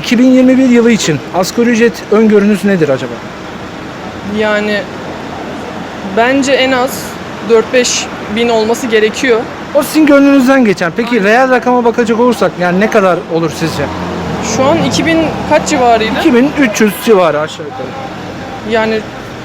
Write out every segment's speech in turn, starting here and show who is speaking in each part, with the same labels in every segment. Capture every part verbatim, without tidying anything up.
Speaker 1: iki bin yirmi bir yılı için asgari ücret öngörünüz nedir acaba?
Speaker 2: Yani bence en az dört beş bin olması gerekiyor.
Speaker 1: O sizin gönlünüzden geçen. Peki reel rakama bakacak olursak yani ne kadar olur sizce?
Speaker 2: Şu an iki bin kaç civarıydı?
Speaker 1: iki bin üç yüz civarı aşağı yukarı.
Speaker 2: Yani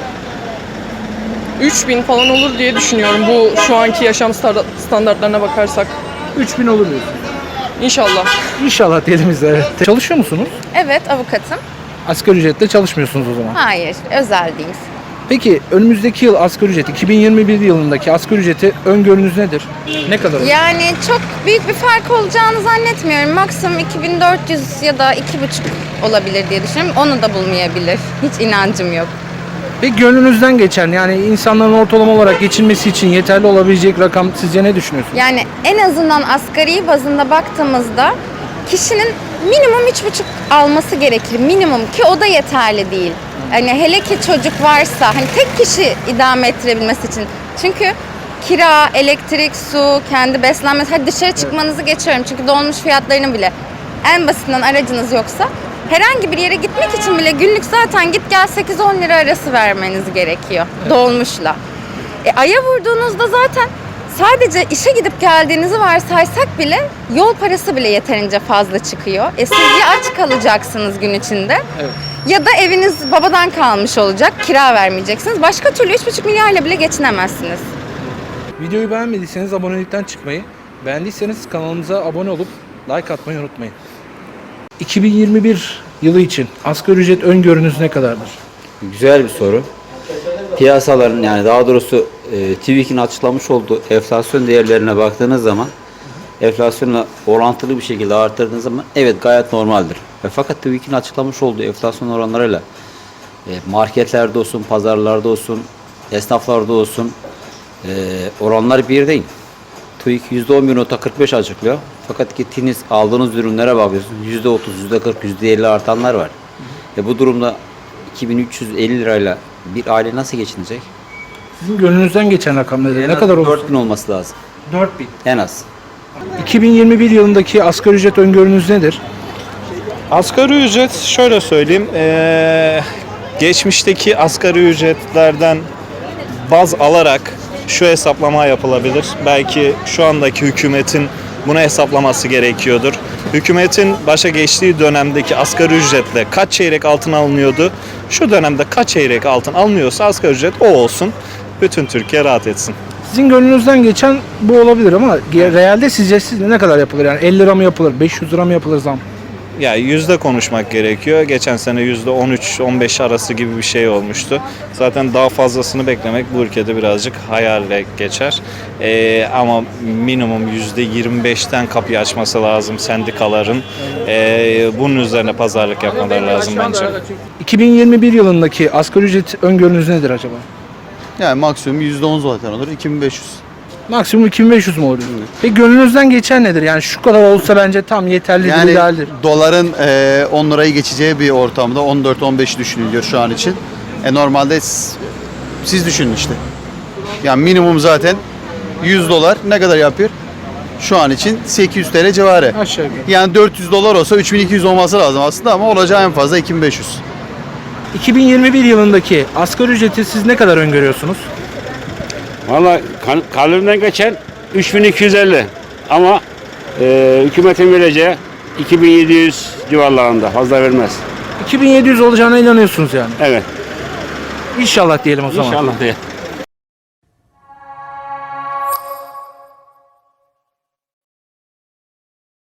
Speaker 2: üç bin falan olur diye düşünüyorum bu şu anki yaşam star- standartlarına bakarsak.
Speaker 1: üç bin olur diyorsun.
Speaker 2: İnşallah.
Speaker 1: İnşallah diyelim biz de. Evet. Çalışıyor musunuz?
Speaker 3: Evet, avukatım.
Speaker 1: Asgari ücretle çalışmıyorsunuz o zaman.
Speaker 3: Hayır, özel değil.
Speaker 1: Peki önümüzdeki yıl asgari ücret, iki bin yirmi bir yılındaki asgari ücreti öngörünüz nedir? Ne kadar olur?
Speaker 3: Yani çok büyük bir fark olacağını zannetmiyorum. Maksimum iki bin dört yüz ya da iki buçuk olabilir diye düşünüyorum. Onu da bulmayabilir. Hiç inancım yok.
Speaker 1: Peki gönlünüzden geçen yani insanların ortalama olarak geçinmesi için yeterli olabilecek rakam sizce ne düşünüyorsunuz?
Speaker 3: Yani en azından asgari bazında baktığımızda kişinin minimum üç buçuk alması gerekir. Minimum, ki o da yeterli değil. Yani hele ki çocuk varsa hani tek kişi idame ettirebilmesi için. Çünkü kira, elektrik, su, kendi beslenmesi, hadi dışarı çıkmanızı geçiyorum. Çünkü dolmuş fiyatlarının bile en basitinden aracınız yoksa herhangi bir yere gitmek için bile günlük zaten git gel sekiz on lira arası vermeniz gerekiyor dolmuşla. E, aya vurduğunuzda zaten sadece işe gidip geldiğinizi varsaysak bile yol parası bile yeterince fazla çıkıyor. E, siz ya aç kalacaksınız gün içinde,
Speaker 1: Evet.
Speaker 3: ya da eviniz babadan kalmış olacak, kira vermeyeceksiniz. Başka türlü üç buçuk milyarla bile geçinemezsiniz.
Speaker 1: Videoyu beğenmediyseniz abonelikten çıkmayı, beğendiyseniz kanalımıza abone olup like atmayı unutmayın. iki bin yirmi bir yılı için asgari ücret öngörünüz ne kadardır?
Speaker 4: Güzel bir soru. Piyasaların, yani daha doğrusu e, TÜİK'in açıklamış olduğu enflasyon değerlerine baktığınız zaman enflasyonla orantılı bir şekilde arttırdığınız zaman evet gayet normaldir. Ve fakat TÜİK'in açıklamış olduğu enflasyon oranlarıyla e, marketlerde olsun, pazarlarda olsun, esnaflarda olsun e, oranlar bir değil. TÜİK yüzde on bir nokta kırk beş açıklıyor. Fakat gittiğiniz aldığınız ürünlere bakıyorsunuz yüzde otuz, yüzde kırk, yüzde elli artanlar var. E bu durumda iki bin üç yüz elli lirayla bir aile nasıl geçinecek?
Speaker 1: Sizin gönlünüzden geçen rakam nedir? Ne kadar olur?
Speaker 4: dört bin olması lazım.
Speaker 1: dört bin.
Speaker 4: En az.
Speaker 1: iki bin yirmi bir yılındaki asgari ücret öngörünüz nedir?
Speaker 5: Asgari ücret şöyle söyleyeyim, eee, geçmişteki asgari ücretlerden baz alarak şu hesaplama yapılabilir. Belki şu andaki hükümetin bunu hesaplaması gerekiyordur. Hükümetin başa geçtiği dönemdeki asgari ücretle kaç çeyrek altın alınıyordu? Şu dönemde kaç çeyrek altın alınıyorsa asgari ücret o olsun. Bütün Türkiye rahat etsin.
Speaker 1: Sizin gönlünüzden geçen bu olabilir ama realde sizce siz ne kadar yapılır? Yani elli lira mı yapılır, beş yüz lira mı yapılır zam?
Speaker 5: Ya yüzde konuşmak gerekiyor. Geçen sene yüzde on üç on beş arası gibi bir şey olmuştu. Zaten daha fazlasını beklemek bu ülkede birazcık hayalle geçer. Ee, ama minimum yüzde yirmi beşten kapıyı açması lazım sendikaların. Ee, bunun üzerine pazarlık yapmaları lazım bence.
Speaker 1: iki bin yirmi bir yılındaki asgari ücret öngörünüz nedir acaba?
Speaker 6: Yani maksimum yüzde on zaten olur. iki bin beş yüz.
Speaker 1: Maksimum iki bin beş yüz mü olur? Peki gönlünüzden geçen nedir? Yani şu kadar olsa bence tam yeterlidir,
Speaker 6: Yani
Speaker 1: idealdir.
Speaker 6: doların e, on lirayı geçeceği bir ortamda on dört on beş düşünülüyor şu an için. E normalde s- siz düşünün işte. Yani minimum zaten yüz dolar ne kadar yapıyor? Şu an için sekiz yüz T L civarı.
Speaker 1: Aşağı yukarı.
Speaker 6: Yani dört yüz dolar olsa üç bin iki yüz olması lazım aslında ama olacağı en fazla iki bin beş yüz.
Speaker 1: iki bin yirmi bir yılındaki asgari ücreti siz ne kadar öngörüyorsunuz?
Speaker 7: Valla kalbimden geçen üç bin iki yüz elli ama e, hükümetin vereceği iki bin yedi yüz civarlarında, fazla vermez.
Speaker 1: iki bin yedi yüz olacağına inanıyorsunuz yani.
Speaker 7: Evet.
Speaker 1: İnşallah diyelim o zaman.
Speaker 7: İnşallah diye.